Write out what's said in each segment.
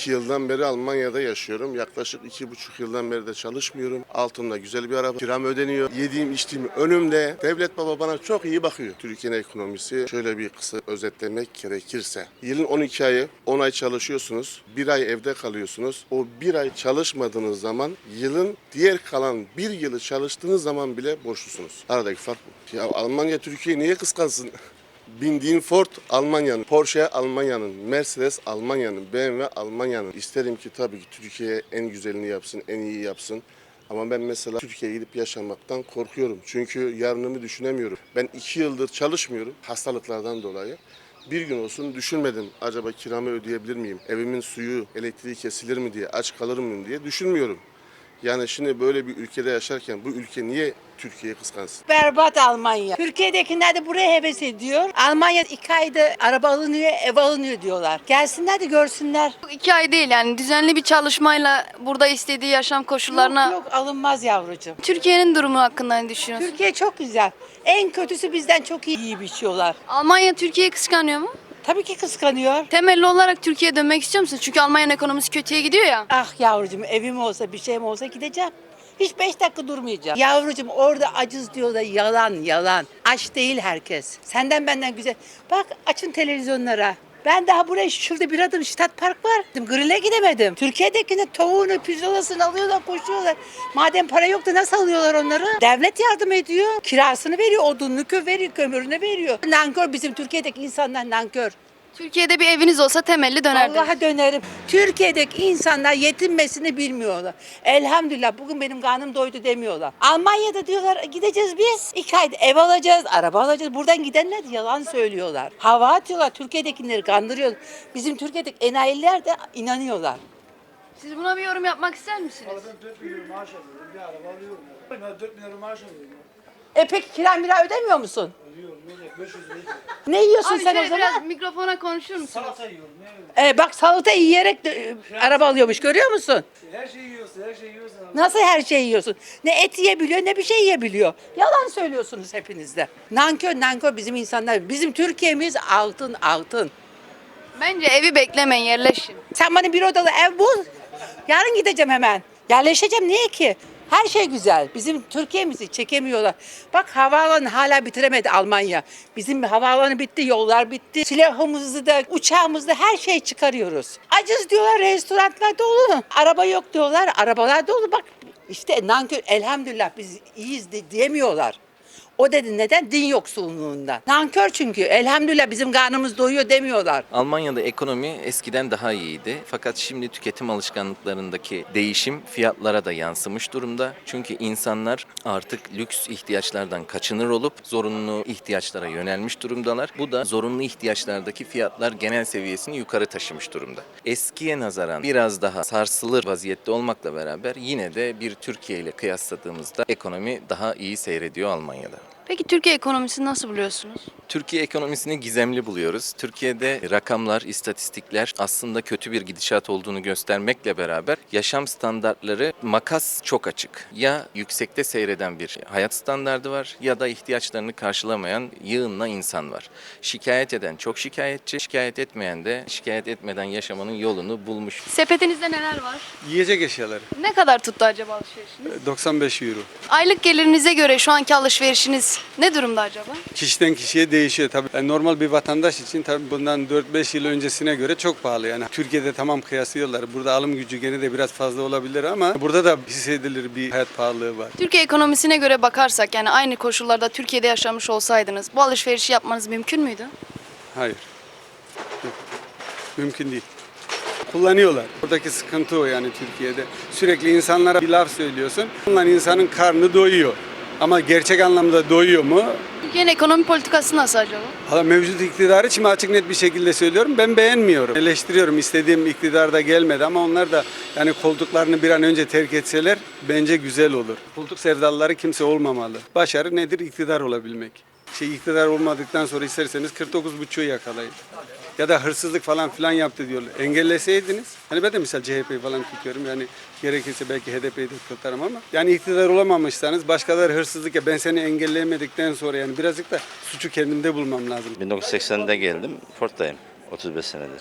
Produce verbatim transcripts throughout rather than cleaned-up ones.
iki yıldan beri Almanya'da yaşıyorum. Yaklaşık iki buçuk yıldan beri de çalışmıyorum. Altımda güzel bir araba. Kiram ödeniyor. Yediğim içtiğim önümde. Devlet baba bana çok iyi bakıyor. Türkiye'nin ekonomisi şöyle bir kısa özetlemek gerekirse. Yılın on iki ayı on ay çalışıyorsunuz. Bir ay evde kalıyorsunuz. O bir ay çalışmadığınız zaman yılın diğer kalan bir yılı çalıştığınız zaman bile borçlusunuz. Aradaki fark bu. Ya Almanya Türkiye'yi niye kıskansın? Bindiğin Ford Almanya'nın, Porsche Almanya'nın, Mercedes Almanya'nın, B M W Almanya'nın. İsterim ki tabii ki Türkiye en güzelini yapsın, en iyi yapsın. Ama ben mesela Türkiye'ye gidip yaşamaktan korkuyorum. Çünkü yarınımı düşünemiyorum. Ben iki yıldır çalışmıyorum hastalıklardan dolayı. Bir gün olsun düşünmedim. Acaba kiramı ödeyebilir miyim? Evimin suyu, elektriği kesilir mi diye, aç kalır mıyım diye düşünmüyorum. Yani şimdi böyle bir ülkede yaşarken bu ülke niye Türkiye'yi kıskansın? Berbat Almanya. Türkiye'dekiler de buraya heves ediyor. Almanya iki ayda araba alınıyor, ev alınıyor diyorlar. Gelsinler de görsünler. İki ay değil yani düzenli bir çalışmayla burada istediği yaşam koşullarına... Yok yok alınmaz yavrucuğum. Türkiye'nin durumu hakkında ne düşünüyorsun? Türkiye çok güzel. En kötüsü bizden çok iyi, iyi biçiyorlar. Almanya Türkiye'yi kıskanıyor mu? Tabii ki kıskanıyor. Temelli olarak Türkiye'ye dönmek istiyor musun? Çünkü Almanya'nın ekonomisi kötüye gidiyor ya. Ah yavrucuğum evim olsa bir şeyim olsa gideceğim. Hiç beş dakika durmayacağım. Yavrucuğum orada acız diyorlar yalan yalan. Aç değil herkes. Senden benden güzel. Bak açın televizyonlara. Ben daha buraya şurada bir adım Şitat Park var. Grill'e gidemedim. Türkiye'dekine tavuğunu, pirzolasını alıyorlar, koşuyorlar. Madem para yok da nasıl alıyorlar onları? Devlet yardım ediyor. Kirasını veriyor, odununu kö veriyor, kömürünü veriyor. Nankör bizim Türkiye'deki insanlar nankör. Türkiye'de bir eviniz olsa temelli dönerdiniz. Allah'a dönerim. Türkiye'deki insanlar yetinmesini bilmiyorlar. Elhamdülillah bugün benim karnım doydu demiyorlar. Almanya'da diyorlar gideceğiz biz. İki ayda ev alacağız, araba alacağız. Buradan gidenler yalan söylüyorlar. Hava atıyorlar. Türkiye'dekileri kandırıyor. Bizim Türkiye'deki enayiler de inanıyorlar. Siz buna bir yorum yapmak ister misiniz? Ben dört bin euro maaş alıyorum. Bir araba alıyorum. Ben dört bin euro maaş alıyorum. E peki kira mira ödemiyor musun? Alıyorum. Ne olacak? beş yüz lira. Ne yiyorsun Abi sen şöyle o zaman? biraz mikrofona konuşur musunuz? Salata yiyorum. Ne yiyorum? E bak salata yiyerek de, e, araba alıyormuş görüyor musun? Her şeyi yiyorsun. Her şeyi yiyorsun. Nasıl her şeyi yiyorsun? Ne et yiyebiliyor ne bir şey yiyebiliyor. Yalan söylüyorsunuz hepiniz de. Nankör nankör bizim insanlar. Bizim Türkiye'miz altın altın. Bence evi beklemeyin, yerleşin. Sen bana bir odalı ev bul. Yarın gideceğim hemen. Yerleşeceğim niye ki? Her şey güzel. Bizim Türkiye'mizi çekemiyorlar. Bak havaalanı hala bitiremedi Almanya. Bizim havaalanı bitti, yollar bitti. Silahımızı da, uçağımızı da her şey çıkarıyoruz. Acız diyorlar, restoranlar dolu. Araba yok diyorlar, arabalar dolu. Bak işte nankör, elhamdülillah biz iyiyiz de, diyemiyorlar. O dedi neden? Din yoksulluğundan. Nankör çünkü. Elhamdülillah bizim karnımız doyuyor demiyorlar. Almanya'da ekonomi eskiden daha iyiydi. Fakat şimdi tüketim alışkanlıklarındaki değişim fiyatlara da yansımış durumda. Çünkü insanlar artık lüks ihtiyaçlardan kaçınır olup zorunlu ihtiyaçlara yönelmiş durumdalar. Bu da zorunlu ihtiyaçlardaki fiyatlar genel seviyesini yukarı taşımış durumda. Eskiye nazaran biraz daha sarsılır vaziyette olmakla beraber yine de bir Türkiye ile kıyasladığımızda ekonomi daha iyi seyrediyor Almanya'da. Peki Türkiye ekonomisini nasıl buluyorsunuz? Türkiye ekonomisini gizemli buluyoruz. Türkiye'de rakamlar, istatistikler aslında kötü bir gidişat olduğunu göstermekle beraber yaşam standartları makas çok açık. Ya yüksekte seyreden bir hayat standardı var ya da ihtiyaçlarını karşılamayan yığınla insan var. Şikayet eden çok şikayetçi, şikayet etmeyen de şikayet etmeden yaşamanın yolunu bulmuş. Sepetinizde neler var? Yiyecek eşyaları. Ne kadar tuttu acaba alışverişiniz? doksan beş euro. Aylık gelirinize göre şu anki alışverişiniz ne durumda acaba? Kişiden kişiye değişiyor tabii. Yani normal bir vatandaş için tabii bundan dört beş yıl öncesine göre çok pahalı yani. Türkiye'de tamam kıyaslıyorlar. Burada alım gücü gene de biraz fazla olabilir ama burada da hissedilir bir hayat pahalılığı var. Türkiye ekonomisine göre bakarsak yani aynı koşullarda Türkiye'de yaşamış olsaydınız bu alışverişi yapmanız mümkün müydü? Hayır. Yok. Mümkün değil. Kullanıyorlar. Buradaki sıkıntı o yani Türkiye'de. Sürekli insanlara bir laf söylüyorsun. Bundan insanın karnı doyuyor. Ama gerçek anlamda doyuyor mu? Türkiye'nin ekonomi politikası nasıl acaba? Valla mevcut iktidarı için açık net bir şekilde söylüyorum. Ben beğenmiyorum. Eleştiriyorum. İstediğim iktidar da gelmedi ama onlar da yani koltuklarını bir an önce terk etseler bence güzel olur. Koltuk sevdalıları kimse olmamalı. Başarı nedir? İktidar olabilmek. Şey iktidar olmadıktan sonra isterseniz kırk dokuz buçuğu yakalayın. Ya da hırsızlık falan filan yaptı diyorlar. Engelleseydiniz. Hani ben de misal C H P'yi falan tutuyorum. Yani gerekirse belki H D P'yi de tutarım ama. Yani iktidar olamamışsanız başkaları hırsızlık ya ben seni engelleyemedikten sonra yani birazcık da suçu kendimde bulmam lazım. bin dokuz yüz seksende geldim. Ford'dayım otuz beş senedir.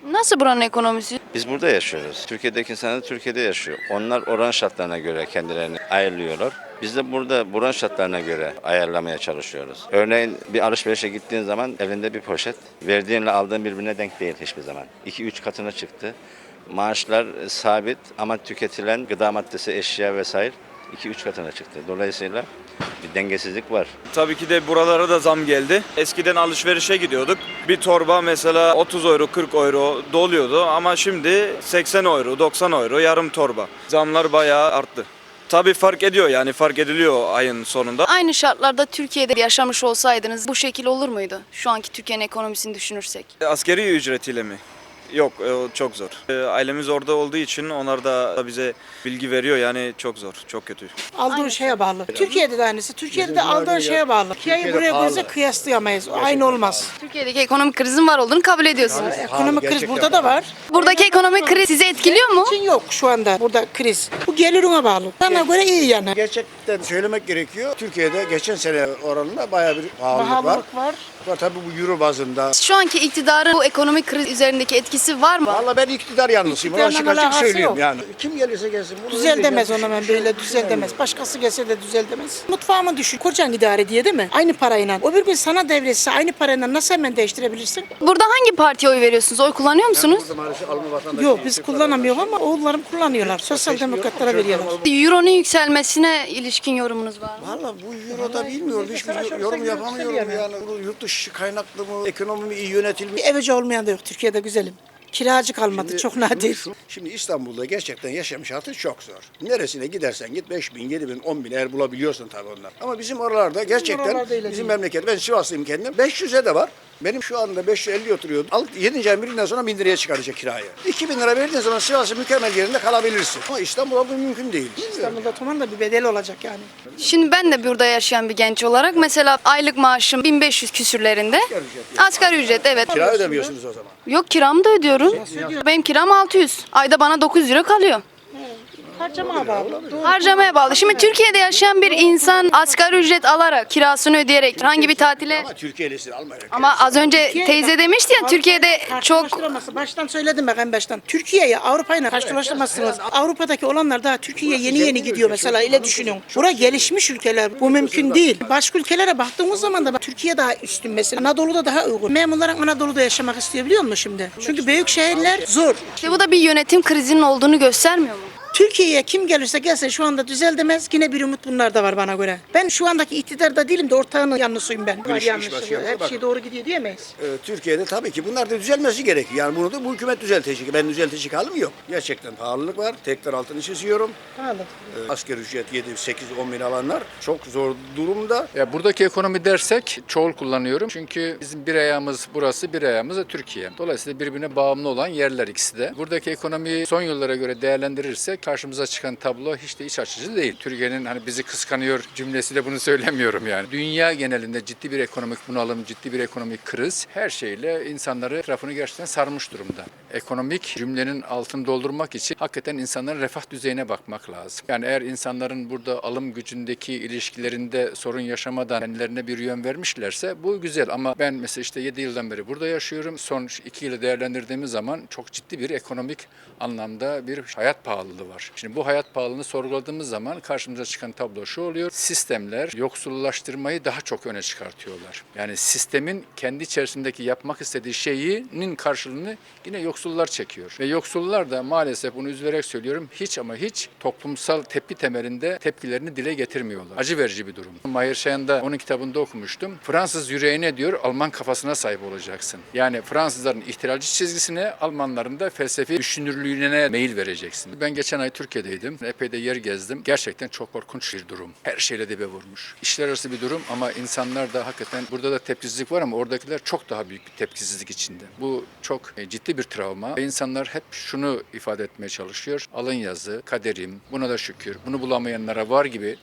Nasıl buranın ekonomisi? Biz burada yaşıyoruz. Türkiye'deki insanlar da Türkiye'de yaşıyor. Onlar oran şartlarına göre kendilerini ayarlıyorlar. Biz de burada buranın şartlarına göre ayarlamaya çalışıyoruz. Örneğin bir alışverişe gittiğin zaman elinde bir poşet, verdiğinle aldığın birbirine denk değil hiçbir zaman. iki üç katına çıktı. Maaşlar sabit ama tüketilen gıda maddesi, eşya vesaire iki üç katına çıktı. Dolayısıyla bir dengesizlik var. Tabii ki de buralara da zam geldi. Eskiden alışverişe gidiyorduk. Bir torba mesela otuz euro, kırk euro doluyordu ama şimdi seksen euro, doksan euro yarım torba. Zamlar bayağı arttı. Tabii fark ediyor, yani fark ediliyor ayın sonunda. Aynı şartlarda Türkiye'de yaşamış olsaydınız bu şekil olur muydu? Şu anki Türkiye'nin ekonomisini düşünürsek. Askeri ücretiyle mi? Yok, e, o çok zor. E, Ailemiz orada olduğu için onlar da bize bilgi veriyor, yani çok zor, çok kötü. Aldığın şeye bağlı. Türkiye'de de aynısı. Türkiye'de de aldığın şeye bağlı. Türkiye'yi buraya koysa kıyaslayamayız. Aynı olmaz. Türkiye'deki ekonomik krizin var olduğunu kabul ediyorsunuz. Ekonomik kriz burada da var. Buradaki ekonomik kriz sizi etkiliyor mu? Çin yok şu anda burada kriz. Bu gelirine bağlı. Bana göre iyi yani. Gerçekten söylemek gerekiyor. Türkiye'de geçen sene oranında bayağı bir pahalılık var. Pahalılık var. Var tabii bu euro bazında. Şu anki iktidarın bu ekonomik kriz üzerindeki etkisi var mı? Vallahi ben iktidar yanlısıyım. Onu açık İktidarla açık alakası söyleyeyim yok. yani. Kim gelirse gelsin. bunu Düzel öyle demez gelsin. ona ben böyle düzel demez. Başkası gelse de düzel demez. Mutfağımı düşün. Kocan idare diye değil mi? Aynı parayla. O bir gün sana devretse aynı parayla nasıl hemen değiştirebilirsin? Burada hangi partiye oy veriyorsunuz? Oy kullanıyor musunuz? Burada maalesef alımı vatandaşı. Yok biz kullanamıyoruz ama oğullarım kullanıyorlar. Sosyal demokratlara veriyorlar. Euro'nun yükselmesine ilişkin yorumunuz var mı? Valla bu euroda bilmiyorum. Hiçbir yorum yapamıyorum yani. Bu yurt dışı kaynaklı mı? Ekonomi mi iyi yönetilmiş? Bir evci olmayan da yok Türkiye'de güzelim. Kiracı kalmadı. Çok nadir. Şimdi İstanbul'da gerçekten yaşam şartı çok zor. Neresine gidersen git beş bin, yedi bin, on bin eğer bulabiliyorsun tabii onlar. Ama bizim oralarda gerçekten oralarda öyle bizim değil. memleket, ben Sivaslıyım kendim. beş yüze de var. Benim şu anda beş yüz elli oturuyor. Al yedinci ayın birinden sonra bin liraya çıkaracak kirayı. iki bin lira verdiğin zaman Sivas'ın mükemmel yerinde kalabilirsin. Ama İstanbul'da bu mümkün değil. İstanbul'da tamam da bir bedel olacak yani. Şimdi ben de burada yaşayan bir genç olarak mesela aylık maaşım bin beş yüz küsürlerinde. Asgari ücret, evet. Kira ödemiyorsunuz o zaman. Yok, kiramı da ödüyorum. Benim kiram altı yüz. Ayda bana dokuz yüz lira kalıyor. Harcamaya bağlı. Harcamaya bağlı. Şimdi Türkiye'de yaşayan bir insan asgari ücret alarak, kirasını ödeyerek herhangi bir tatile... Ama Türkiye'lisin almayacak. Ama az önce teyze demişti ya, Türkiye'de çok... Karşılaştıramazsın. Baştan söyledim bak en baştan. Türkiye'yi Avrupa'yla karşılaştıramazsınız. Avrupa'daki olanlar daha Türkiye'ye yeni yeni gidiyor mesela. Öyle düşünüyorum. Bura gelişmiş ülkeler. Bu mümkün değil. Başka ülkelere baktığımız zaman da bak, Türkiye daha üstün mesela. Anadolu'da daha uygun. Memurların Anadolu'da yaşamak istiyor biliyor musun şimdi? Çünkü büyük şehirler zor. İşte bu da bir yönetim krizinin olduğunu göstermiyor mu? Türkiye'ye kim gelirse gelsin şu anda düzel demez. Yine bir umut bunlarda var bana göre. Ben şu andaki iktidarda değilim de ortağının yanlısıyım ben. Var iş yanlışı. başkanı, Her bak. şey doğru gidiyor diyemeyiz. Ee, Türkiye'de tabii ki bunlar da düzelmesi gerekiyor. Yani bunu da bu hükümet düzeltecek. Ben düzeltecek halim yok. Gerçekten pahalılık var. Tekrar altını çiziyorum. Pahalı. Ee, asgari ücret yedi, sekiz, on bin alanlar çok zor durumda. Ya buradaki ekonomi dersek çoğul kullanıyorum. Çünkü bizim bir ayağımız burası, bir ayağımız da Türkiye. Dolayısıyla birbirine bağımlı olan yerler ikisi de. Buradaki ekonomiyi son yıllara göre değerlendirirsek karşımıza çıkan tablo hiç de iç açıcı değil. Türkiye'nin hani bizi kıskanıyor cümlesiyle bunu söylemiyorum yani. Dünya genelinde ciddi bir ekonomik bunalım, ciddi bir ekonomik kriz her şeyle insanları etrafını gerçekten sarmış durumda. Ekonomik cümlenin altını doldurmak için hakikaten insanların refah düzeyine bakmak lazım. Yani eğer insanların burada alım gücündeki ilişkilerinde sorun yaşamadan kendilerine bir yön vermişlerse bu güzel. Ama ben mesela işte yedi yıldan beri burada yaşıyorum. Son iki yılı değerlendirdiğimiz zaman çok ciddi bir ekonomik anlamda bir hayat pahalılığı var. Şimdi bu hayat pahalılığını sorguladığımız zaman karşımıza çıkan tablo şu oluyor. Sistemler yoksullaştırmayı daha çok öne çıkartıyorlar. Yani sistemin kendi içerisindeki yapmak istediği şeyinin karşılığını yine yoksullar çekiyor. Ve yoksullar da maalesef bunu üzülerek söylüyorum hiç ama hiç toplumsal tepki temelinde tepkilerini dile getirmiyorlar. Acı verici bir durum. Mahir Şayan'da onun kitabında okumuştum. Fransız yüreğine diyor Alman kafasına sahip olacaksın. Yani Fransızların ihtilalci çizgisine, Almanların da felsefi düşünürlüğüne meyil vereceksin. Ben geçen ay Türkiye'deydim. Epey de yer gezdim. Gerçekten çok korkunç bir durum. Her şeyle dibe vurmuş. İşler arası bir durum ama insanlar da hakikaten burada da tepkisizlik var ama oradakiler çok daha büyük bir tepkisizlik içinde. Bu çok ciddi bir travma. Ve insanlar hep şunu ifade etmeye çalışıyor. Alın yazı, kaderim, buna da şükür, bunu bulamayanlara var gibi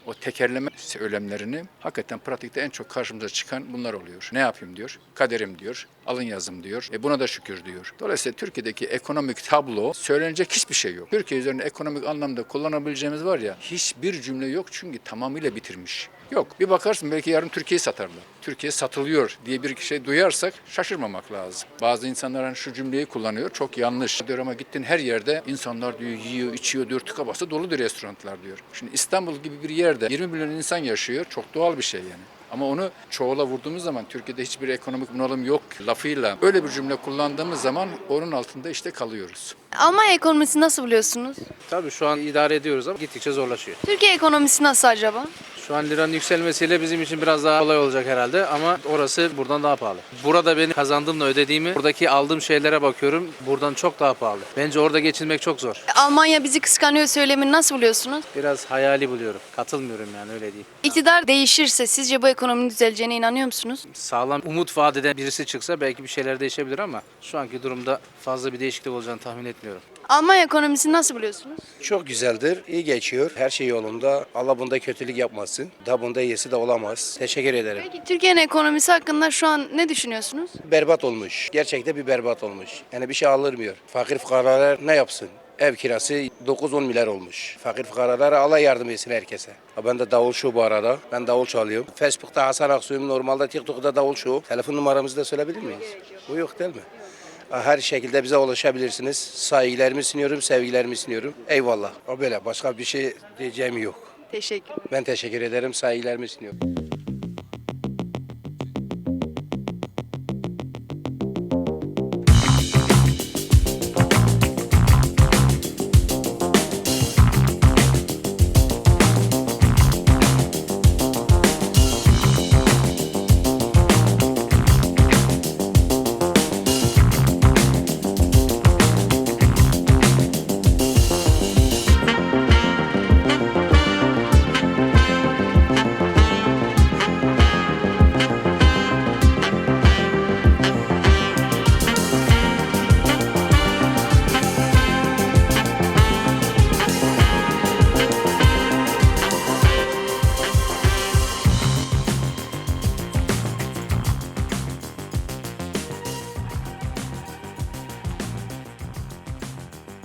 o tekerleme söylemlerini hakikaten pratikte en çok karşımıza çıkan bunlar oluyor. Ne yapayım diyor, kaderim diyor, alın yazım diyor, e buna da şükür diyor. Dolayısıyla Türkiye'deki ekonomik tablo söylenecek hiçbir şey yok. Türkiye üzerinde ekonomik anlamda kullanabileceğimiz var ya, hiçbir cümle yok çünkü tamamıyla bitirmiş. Yok. Bir bakarsın belki yarın Türkiye'yi satarlar. Türkiye satılıyor diye bir şey duyarsak şaşırmamak lazım. Bazı insanlar hani şu cümleyi kullanıyor. Çok yanlış. Diyor ama gittin her yerde insanlar diyor yiyor, içiyor diyor. Tıka basa dolu diyor restoranlar diyor. Şimdi İstanbul gibi bir yerde yirmi milyon insan yaşıyor. Çok doğal bir şey yani. Ama onu çoğula vurduğumuz zaman Türkiye'de hiçbir ekonomik bunalım yok lafıyla öyle bir cümle kullandığımız zaman onun altında işte kalıyoruz. Almanya ekonomisi nasıl buluyorsunuz? Tabii şu an idare ediyoruz ama gittikçe zorlaşıyor. Türkiye ekonomisi nasıl acaba? Şu an liranın yükselmesiyle bizim için biraz daha kolay olacak herhalde ama orası buradan daha pahalı. Burada benim kazandığımla ödediğimi, buradaki aldığım şeylere bakıyorum, buradan çok daha pahalı. Bence orada geçinmek çok zor. Almanya bizi kıskanıyor söylemini nasıl buluyorsunuz? Biraz hayali buluyorum. Katılmıyorum yani öyle değil. İktidar değişirse sizce bu ekonominin düzeleceğine inanıyor musunuz? Sağlam umut vaat eden birisi çıksa belki bir şeyler değişebilir ama şu anki durumda fazla bir değişiklik olacağını tahmin etmiyorum. Almanya ekonomisini nasıl buluyorsunuz? Çok güzeldir, iyi geçiyor. Her şey yolunda. Allah bunda kötülük yapmasın. Da bunda iyisi de olamaz. Teşekkür ederim. Peki Türkiye'nin ekonomisi hakkında şu an ne düşünüyorsunuz? Berbat olmuş. Gerçekten bir berbat olmuş. Yani bir şey alınmıyor. Fakir fukaralar ne yapsın? Ev kirası dokuz on milyar olmuş. Fakir fukaralara Allah yardım etsin herkese. Ben de davul show bu arada. Ben davul çalıyorum. Facebook'ta Hasan Aksu'yum. Normalde TikTok'ta davul show. Telefon numaramızı da söyleyebilir miyiz? Bu yok değil mi? Her şekilde bize ulaşabilirsiniz. Saygılarımı sunuyorum, sevgilerimi sunuyorum. Eyvallah. O böyle. Başka bir şey diyeceğim yok. Teşekkür. Ben teşekkür ederim. Saygılarımı sunuyorum.